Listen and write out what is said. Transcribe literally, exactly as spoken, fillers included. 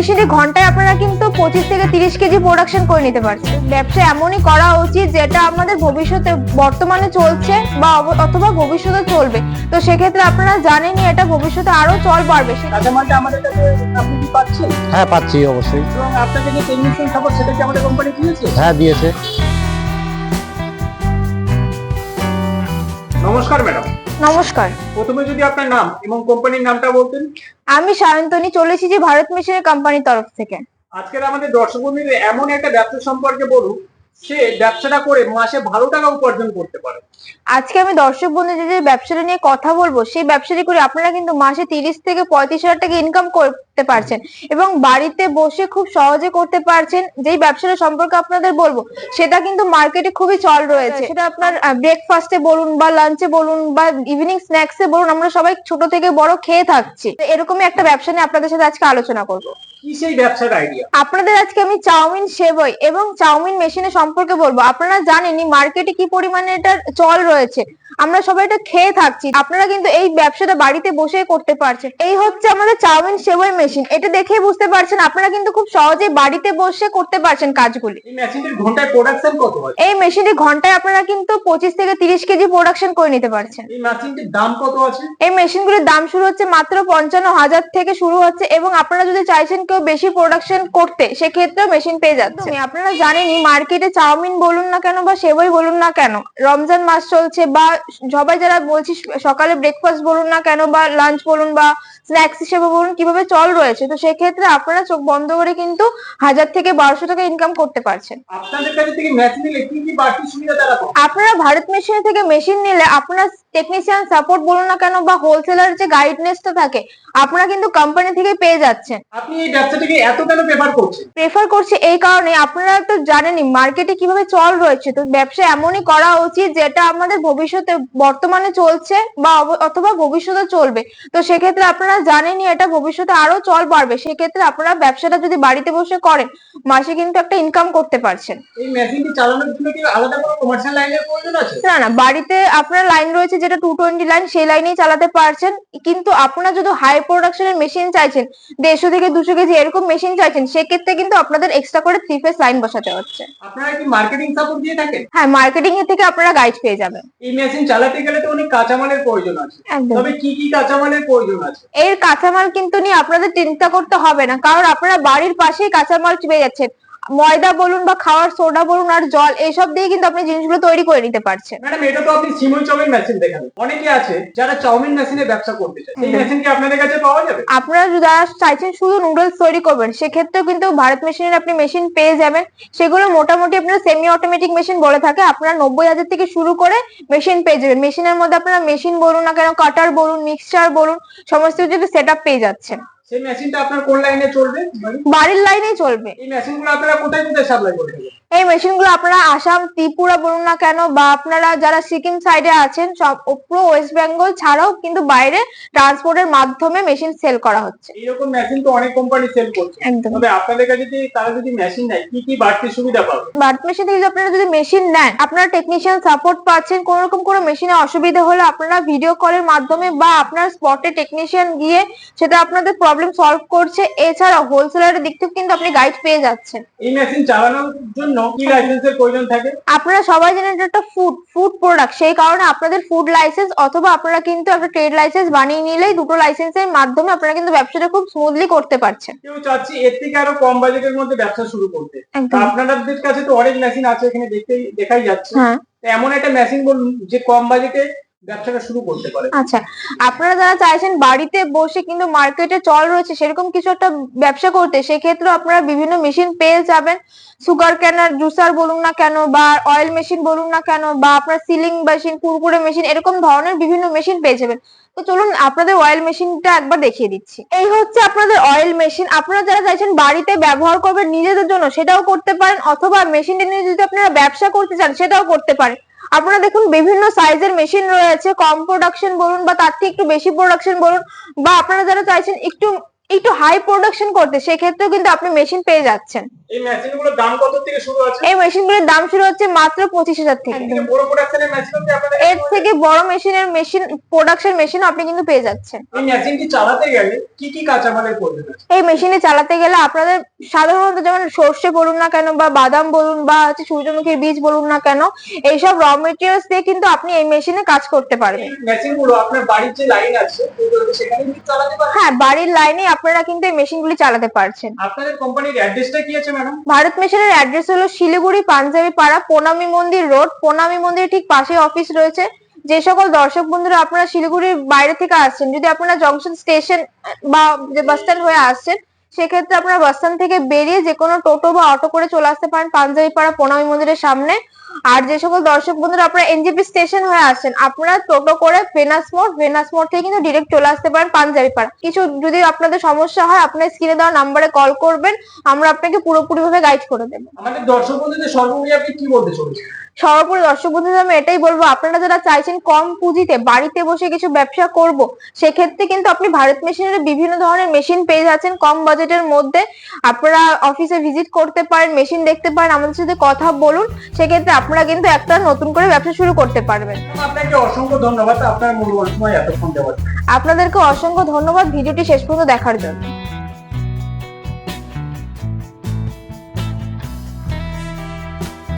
মেশিনে ঘন্টায় আপনারা কিন্তু পঁচিশ থেকে তিরিশ কেজি প্রোডাকশন করে নিতে পারছেন। ব্যবসা এমনই করা উচিত যেটা আমাদের ভবিষ্যতে বর্তমানে চলছে বা অব- অথবা ভবিষ্যতে চলবে। তো সেক্ষেত্রে আপনারা জানেনই এটা ভবিষ্যতে আরো চল বাড়বে। সে- কাঁচামালটা আমাদের কাছে আপনি কি পাচ্ছেন? হ্যাঁ পাচ্ছি অবশ্যই। এবং আপনাকে যে টেকনিশিয়ান সাপোর্ট সেটা কি আমাদের কোম্পানি দিয়েছে? হ্যাঁ দিয়েছে। নমস্কার ম্যাডাম। নমস্কার, প্রথমে যদি আপনার নাম এবং কোম্পানির নামটা বলতেন। আমি সায়ন্তনী, চলে এসেছি ভারত মেশিনের কোম্পানির তরফ থেকে। আজকের আমাদের দর্শক বন্ধুদের এমন একটা ব্যবসা সম্পর্কে বলুন সে ব্যবসাটা করে মাসে ভালো টাকা উপার্জন করতে পারে। আজকে আমি দর্শক বন্ধুদের যে ব্যবসাটা নিয়ে কথা বলবো, সেই ব্যবসাটি করে আপনারা কিন্তু মাসে তিরিশ থেকে পঁয়ত্রিশ হাজার টাকা ইনকাম করতে পারছেন এবং বাড়িতে বসে খুব সহজে করতে পারছেন। যেই ব্যবসাটা সম্পর্কে আপনাদের বলবো সেটা কিন্তু মার্কেটে খুবই চল রয়েছে। সেটা আপনার ব্রেকফাস্টে বলুন বা লাঞ্চে বলুন বা ইভিনিং স্ন্যাক্সে বলুন, আমরা সবাই ছোট থেকে বড় খেয়ে থাকছি। তো এরকমই একটা ব্যবসা নিয়ে আপনাদের সাথে আজকে আলোচনা করবো। কি সেই ব্যবসার আইডিয়া? আপনাদের আজকে আমি চাউমিন, সেবই এবং চাউমিন মেশিনের সম্পর্কে বলবো। আপনারা জানেনই মার্কেটে কি পরিমাণে এটার চল রয়েছে, আমরা সবাই এটা খেয়ে থাকছি। আপনারা কিন্তু এই ব্যবসাটা বাড়িতে বসে করতে পারছেন। এই হচ্ছে আমাদের চাউমিন সেবই মেশিন। এটা দেখেই বুঝতে পারছেন আপনারা কিন্তু খুব সহজেই বাড়িতে বসে করতে পারছেন কাজগুলি। এই মেশিনটির ঘন্টায় প্রোডাকশন কত হয়? এই মেশিনটি ঘন্টায় আপনারা কিন্তু পঁচিশ থেকে তিরিশ কেজি প্রোডাকশন করে নিতে পারছেন। এই মেশিনটির দাম কত আছে? এই মেশিনগুলির দাম শুরু হচ্ছে মাত্র পঞ্চান্ন হাজার থেকে শুরু হচ্ছে এবং আপনারা যদি চাইছেন কেউ বেশি প্রোডাকশন করতে, সেক্ষেত্রেও মেশিন পেয়ে যাচ্ছে। আপনারা জানেনই মার্কেটে চাউমিন বলুন না কেন বা সেবই বলুন না কেন, রমজান মাস চলছে বা সবাই যারা বলছি সকালে ব্রেকফাস্ট বলুন না কেন বা লাঞ্চ বলুন বা স্ন্যাক্স হিসেবে বলুন, কিভাবে চল রয়েছে। তো সেক্ষেত্রে আপনারা চোখ বন্ধ করে কিন্তু হাজার থেকে বারোশো টাকা ইনকাম করতে পারছেন। আপনাদের কাছে থেকে মেশিন নিলে কি কি বাড়তি সুবিধা তারা পাবে? আপনারা ভারত মেশিন থেকে মেশিন নিলে আপনার টেকনিশিয়ান সাপোর্ট বলুন না কেন বা হোলসেলার যে গাইডনেসটা থাকে, আপনারা কিন্তু কোম্পানি থেকে পেয়ে যাচ্ছেন। আপনি এই ব্যবসাটাকে এত কেন প্রেফার করছেন? প্রেফার করছি এই কারণে, আপনারা তো জানেনই মার্কেটে কিভাবে চল রয়েছে। তো ব্যবসা এমনই করা উচিত যেটা আমাদের ভবিষ্যতে বর্তমানে চলছে বা অব- অথবা ভবিষ্যতে চলবে। তো সেক্ষেত্রে আপনারা জানেনই এটা ভবিষ্যতে আরো চল বাড়বে। সেক্ষেত্রে আপনারা ব্যবসাটা যদি বাড়িতে বসে করেন, মাসে কিন্তু একটা ইনকাম করতে পারছেন। এই মেশিনটি চালানোর জন্য কি আলাদা কোনো কমার্শিয়াল লাইনের প্রয়োজন আছে? না না, বাড়িতে আপনার লাইন রয়েছে যেটা টু টোয়েন্টি লাইন, সেই লাইনেই চালাতে পারছেন। কিন্তু আপনারা যদি হাই প্রোডাকশনের মেশিন চাইছেন, দেড়শো থেকে দুশো কেজি এরকম মেশিন চাইছেন, সেক্ষেত্রে কিন্তু আপনাদের এক্সট্রা করে থ্রি ফেজ লাইন বসাতে হচ্ছে। আপনারা কি মার্কেটিং সাপোর্ট দিয়ে থাকেন? হ্যাঁ, মার্কেটিং এর থেকে আপনারা গাইড পেয়ে যাবেন। এই মেশিন চালাতে গেলে তো অনেক কাঁচামালের প্রয়োজন আছে, একদম। তবে কি কি কাঁচামালের প্রয়োজন আছে? এর কাঁচামাল কিন্তু নিয়ে আপনাদের চিন্তা করতে হবে না, কারণ আপনারা বাড়ির পাশেই কাঁচামাল পেয়ে যাচ্ছেন। ময়দা বলুন বা খাওয়ার সোডা বলুন আর জল, এইসব দিয়ে কিন্তু আপনি জিনিসগুলো তৈরি করে নিতে পারছেন। ম্যাডাম, এটা তো আপনি সিমই চাউমিন মেশিন দেখালেন। অনেকে আছে যারা চাউমিন মেশিনে ব্যবসা করতে চায়, এই মেশিন কি আপনাদের কাছে পাওয়া যাবে? আপনারা যারা চাইছেন শুধু নুডলস তৈরি করবেন, সেক্ষেত্রেও কিন্তু ভারত মেশিনের আপনি মেশিন পেয়ে যাবেন। সেগুলো মোটামুটি আপনারা সেমি অটোমেটিক মেশিন বলে থাকে। আপনারা নব্বই হাজার থেকে শুরু করে মেশিন পেয়ে যাবেন। মেশিনের মধ্যে আপনারা মেশিন বলুন না কেন, কাটার বলুন, মিক্সচার বলুন, সমস্ত কিছু সেট আপ পেয়ে যাচ্ছেন। সেই মেশিনটা আপনার কোন লাইনে চলবে? বাড়ির লাইনেই চলবে। এই মেশিনগুলো আপনারা কোথায় কোথায় সাপ্লাই করে থাকেন? এই মেশিনগুলো আপনারা আসাম, ত্রিপুরা বলুন না কেন বা আপনারা যারা সিকিম সাইডে আছেন, সব পুরো ওয়েস্ট বেঙ্গল ছাড়াও কিন্তু বাইরে ট্রান্সপোর্টের মাধ্যমে মেশিন সেল করা হচ্ছে। এইরকম মেশিন তো অনেক কোম্পানি সেল করছে, একদম। তবে আপনাদের কাছে যদি তারা যদি মেশিন নেয় কি কি বাড়তি সুবিধা পাবে? ভারত মেশিন থেকে যদি আপনারা যদি মেশিন নেন, আপনারা টেকনিশিয়ান সাপোর্ট পাচ্ছেন। কোন রকম কোনো মেশিনে অসুবিধা হলে আপনারা ভিডিও কলের মাধ্যমে বা আপনার স্পটে টেকনিশিয়ান গিয়ে সেটা আপনাদের প্রবলেম সলভ করছে। এছাড়া হোলসেলারের দিক থেকে কিন্তু আপনি গাইড পেয়ে যাচ্ছেন। এই মেশিন চালানোর জন্য কি লাইসেন্সের প্রয়োজন থাকে? আপনারা সবাই জানেন এটা একটা ফুড ফুড প্রোডাক্ট, সেই কারণে আপনাদের ফুড লাইসেন্স অথবা আপনারা কিন্তু একটা ট্রেড লাইসেন্স বানিয়ে নিলেই দুটো লাইসেন্সের মাধ্যমে আপনারা কিন্তু ব্যবসাটা খুব স্মুথলি করতে পারছেন। কেউ চাচ্ছি এর থেকে আরো কম বাজেটের মধ্যে ব্যবসা শুরু করতে, একদম। আপনাদের কাছে তো অনেক মেশিন আছে, এখানে দেখতেই দেখাই যাচ্ছে। হ্যাঁ। তো এমন একটা মেশিন বলুন যে কম বাজেটে ব্যবসাটা শুরু করতে পারে। আচ্ছা, আপনারা যারা চাইছেন বাড়িতে বসে কিন্তু মার্কেটে চল রয়েছে সেরকম কিছু একটা ব্যবসা করতে, সেক্ষেত্রে আপনারা বিভিন্ন মেশিন পেয়ে যাবেন। সুগার ক্যানার, জুসার বলুন না কেন বা অয়েল মেশিন বলুন না কেন বা আপনার সিলিং মেশিন, কুরকুরে মেশিন, এরকম ধরনের বিভিন্ন মেশিন পেয়ে যাবেন। তো চলুন আপনাদের অয়েল মেশিনটা একবার দেখিয়ে দিচ্ছি। এই হচ্ছে আপনাদের অয়েল মেশিন। আপনারা যারা চাইছেন বাড়িতে ব্যবহার করবেন নিজেদের জন্য, সেটাও করতে পারেন, অথবা মেশিনটা নিয়ে যদি আপনারা ব্যবসা করতে চান সেটাও করতে পারেন। আপনারা দেখুন বিভিন্ন সাইজের মেশিন রয়েছে, কম প্রোডাকশন বলুন বা তার থেকে একটু বেশি প্রোডাকশন বলুন, বা আপনারা যারা চাইছেন একটু একটু হাই প্রোডাকশন করতে, সেক্ষেত্রেও কিন্তু আপনি মেশিন পেয়ে যাচ্ছেন। এই মেশিনগুলোর দাম কত থেকে শুরু আছে? এই মেশিনগুলোর দাম শুরু হচ্ছে মাত্র পঁচিশ হাজার থেকে। এর থেকে বড় প্রোডাকশনের মেশিন কি আপনাদের এর থেকে বড় মেশিনের মেশিন প্রোডাকশন মেশিন আপনি কিন্তু পেয়ে যাচ্ছেন। এই মেশিনটি চালাতে গেলে কি কি কাঁচামালের প্রয়োজন আছে? এই মেশিনে চালাতে গেলে আপনাদের সাধারণত যেমন সর্ষে বলুন না কেন বা বাদাম বলুন বা হচ্ছে সূর্যমুখীর বীজ বলুন না কেন, এইসব র মেটেরিয়ালস দিয়ে কিন্তু আপনি এই মেশিনে কাজ করতে পারবেন। এই মেশিনগুলো আপনার বাড়ির যে লাইন আছে সেখানে কি চালাতে পারবেন? হ্যাঁ, বাড়ির লাইনে আপনারা কিন্তু এই মেশিনগুলি চালাতে পারছেন। আপনাদের কোম্পানির অ্যাড্রেসটা কি আছে ম্যাডাম? ভারত মেশিনের অ্যাড্রেস হলো শিলিগুড়ি পাঞ্জাবি পাড়া, প্রণামী মন্দির রোড। প্রণামী মন্দির ঠিক পাশে অফিস রয়েছে। যে সকল দর্শক বন্ধুরা আপনারা শিলিগুড়ির বাইরে থেকে আসছেন, যদি আপনারা জংশন স্টেশন বা যে বাস স্ট্যান্ড হয়ে আসছেন, সেক্ষেত্রে আপনারা বাস স্ট্যান্ড থেকে বেরিয়ে যে কোনো টোটো বা অটো করে চলে আসতে পারেন পাঞ্জাবি পাড়া প্রণামী মন্দিরের সামনে। আর যে সকল দর্শক বন্ধুরা আপনারা এনজেপি স্টেশন হয়ে আসছেন, আপনারা টোটো করে ভেনাস মোড়, ভেনাস মোড় থেকে কিন্তু ডিরেক্ট চলে আসতে পারেন পাঞ্জাবি পাড়া। কিছু যদি আপনাদের সমস্যা হয়, আপনার স্ক্রিনে দেওয়া নাম্বারে কল করবেন, আমরা আপনাকে পুরোপুরি ভাবে গাইড করে দেবো। আমাদের দর্শক বন্ধুদের সর্বোপরি আপনি কি বলতে চলেছেন? সর্বোপরি দর্শক বন্ধুদের আমি এটাই বলবো, আপনারা যারা চাইছেন কম পুঁজিতে বাড়িতে বসে কিছু ব্যবসা করব, সেক্ষেত্রে কিন্তু আপনি ভারত মেশিনের বিভিন্ন ধরনের মেশিন পেয়ে যাচ্ছেন কম বাজেটের মধ্যে। আপনারা অফিসে ভিজিট করতে পারেন, মেশিন দেখতে পারেন, আমাদের সাথে কথা বলুন, সেক্ষেত্রে আপনারা কিন্তু একটা নতুন করে ব্যবসা শুরু করতে পারবেন। আপনাকে অসংখ্য ধন্যবাদ আপনার মূল্যবান সময় এতক্ষণ দেওয়ার জন্য। আপনাদেরকে অসংখ্য ধন্যবাদ ভিডিওটি শেষ পর্যন্ত দেখার জন্য।